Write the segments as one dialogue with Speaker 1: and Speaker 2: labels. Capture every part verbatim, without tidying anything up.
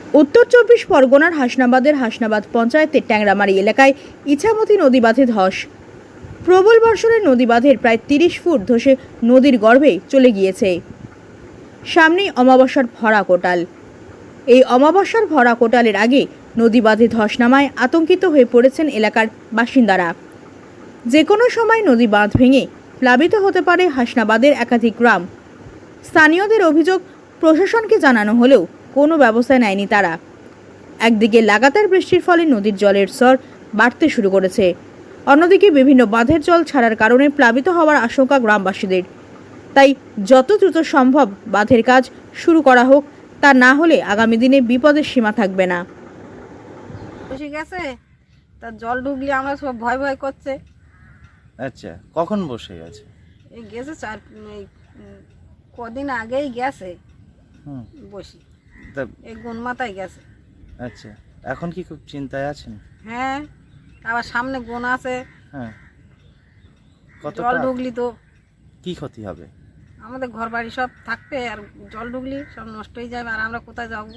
Speaker 1: উত্তর চব্বিশ পরগনার হাসনাবাদের হাসনাবাদ পঞ্চায়েতের ট্যাংরামারি এলাকায় ইছামতি নদী বাঁধে ধস। প্রবল বর্ষণে নদী বাঁধের প্রায় তিরিশ ফুট ধসে নদীর গর্ভে চলে গিয়েছে। সামনেই অমাবস্যার ভরা কোটাল। এই অমাবস্যার ভরা কোটালের আগে নদী বাঁধে ধস নামায় আতঙ্কিত হয়ে পড়েছেন এলাকার বাসিন্দারা। যে কোনো সময় নদী বাঁধ ভেঙে প্লাবিত হতে পারে হাসনাবাদের একাধিক গ্রাম। স্থানীয়দের অভিযোগ, প্রশাসনকে জানানো হলেও কোনো ব্যবস্থা নেয়নি তারা। একদিকে লাগাতার বৃষ্টির ফলে নদীর জলের স্তর বাড়তে শুরু করেছে, অন্যদিকে বিভিন্ন বাঁধের জল ছাড়ার কারণে প্লাবিত হওয়ার আশঙ্কা গ্রামবাসীদের। তাই যত দ্রুত সম্ভব বাঁধের কাজ শুরু করা হোক, তা না হলে আগামী দিনে বিপদের সীমা থাকবে না।
Speaker 2: বসে গেছে, তার জল ঢুকলে আমরা সব ভয় ভয় করছে।
Speaker 3: আচ্ছা, কখন বসে গেছে?
Speaker 2: এই গেছে চার এই উম, কদিন আগেই গেছে
Speaker 3: হুম
Speaker 2: বসি,
Speaker 3: তা
Speaker 2: এই গুণ মাথায় গেছে।
Speaker 3: আচ্ছা, এখন কি খুব চিন্তায় আছেন?
Speaker 2: হ্যাঁ, আবার সামনে গুণ আছে,
Speaker 3: হ্যাঁ, কত
Speaker 2: জল ঢুকলি তো
Speaker 3: কি ক্ষতি হবে?
Speaker 2: আমাদের ঘর বাড়ি সব থাকবে, আর জল ঢুকলি সব নষ্ট হয়ে যাবে, আর আমরা কোথায় যাব?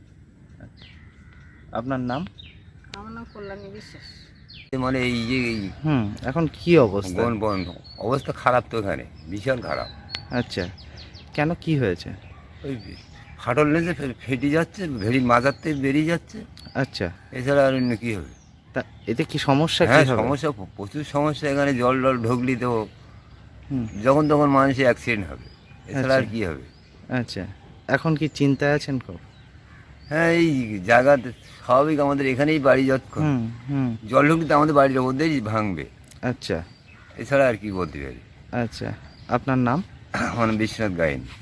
Speaker 3: আপনার নাম?
Speaker 2: আমার নাম কল্যাণী বিশ্বাস।
Speaker 4: মানে এই যে এই
Speaker 3: হুম এখন কি অবস্থা?
Speaker 4: বন বন্ধ অবস্থা খারাপ তো, এখানে ভীষণ খারাপ।
Speaker 3: আচ্ছা, কেন, কি হয়েছে?
Speaker 4: ওই ফাটল লেগে ফে- ফেটে যাচ্ছে, ভেড়ির মাজারতে বেরিয়ে যাচ্ছে,
Speaker 3: আচ্ছা,
Speaker 4: এছাড়া আর অন্য কী হবে?
Speaker 3: তা এতে কি সমস্যা? কি
Speaker 4: হ্যাঁ,
Speaker 3: হবে?
Speaker 4: সমস্যা প- প্রচুর সমস্যা। এখানে জল জল ঢুকলি তো
Speaker 3: হুম
Speaker 4: যখন তখন মানুষের অ্যাক্সিডেন্ট হবে, এছাড়া আর
Speaker 3: আচ্ছা।
Speaker 4: কী হবে?
Speaker 3: আচ্ছা, এখন কি চিন্তায় আছেন খুব?
Speaker 4: হ্যাঁ, এই জায়গাতে স্বাভাবিক আমাদের এখানেই বাড়ি যতক্ষণ
Speaker 3: হুম হুম
Speaker 4: জল ঢুকলি তো আমাদের বাড়ির মধ্যেই ভাঙবে,
Speaker 3: আচ্ছা
Speaker 4: এছাড়া আর কি বলতে পারি।
Speaker 3: আচ্ছা, আপনার নাম?
Speaker 4: আমার নাম বিশ্বনাথ গায়েন।